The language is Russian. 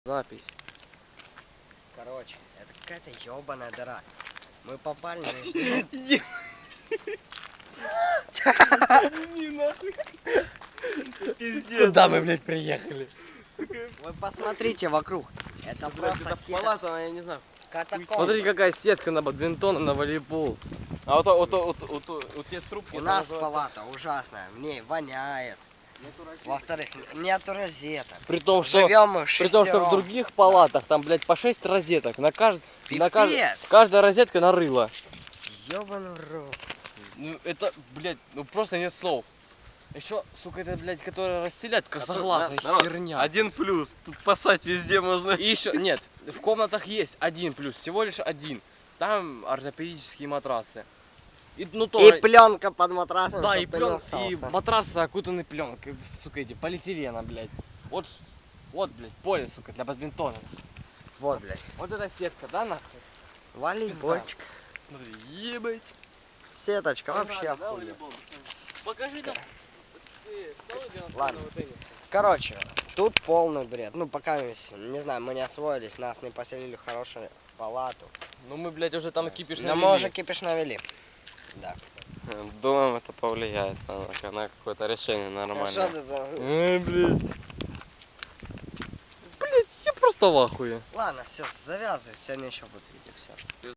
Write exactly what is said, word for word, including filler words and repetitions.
Запись. Короче, это какая-то ебаная дыра. Мы попали на... Не нахуй. Пиздец. Куда мы, блядь, приехали? Вы посмотрите вокруг. Это просто Это какие-то палата, я не знаю. катакомбы. Смотрите, какая сетка на бадминтон, на волейбол. А вот вот вот вот вот вот те трубки. У это нас называется- палата ужасная, в ней воняет. Во-вторых, нету розеток. При том, что Живем мы при том, что в шестером. других палатах там, блядь, по шесть розеток. На кажд... на кажд... Пипец. каждая розетка нарыла. Ёбаный в рот. Ну это, блядь, ну просто нет слов. Еще, сука, это, блядь, которая расселять косоглазая херня. Один плюс. Тут пасать везде можно. И еще, нет, в комнатах есть один плюс, всего лишь один. Там ортопедические матрасы. И, ну, И тоже... пленка под матрасом. Да, чтоб и, ты не плен... и остался. матрасы окутаны пленкой, сука, эти полиэтилена, блядь. Вот, вот, блядь, поле, сука, для бадминтона. Вот, блядь. Вот эта сетка, да, нахуй? Волейбольчик. Смотри, ебать. Сеточка Понравилось, вообще да, охуенно. волейбол? Покажи нам. Ты стал играть в Ладно. теннис? Короче, тут полный бред. Ну, пока, не знаю, мы не освоились, нас не поселили в хорошую палату. Ну мы, блядь, уже там кипиш Но мы уже кипиш навели. Да. Думаем, это повлияет на, на какое-то решение Что нормальное. ты там? Эй, блядь. Блядь, я просто в ахуе. Ладно, все, завязывай, сегодня еще будет видео, все.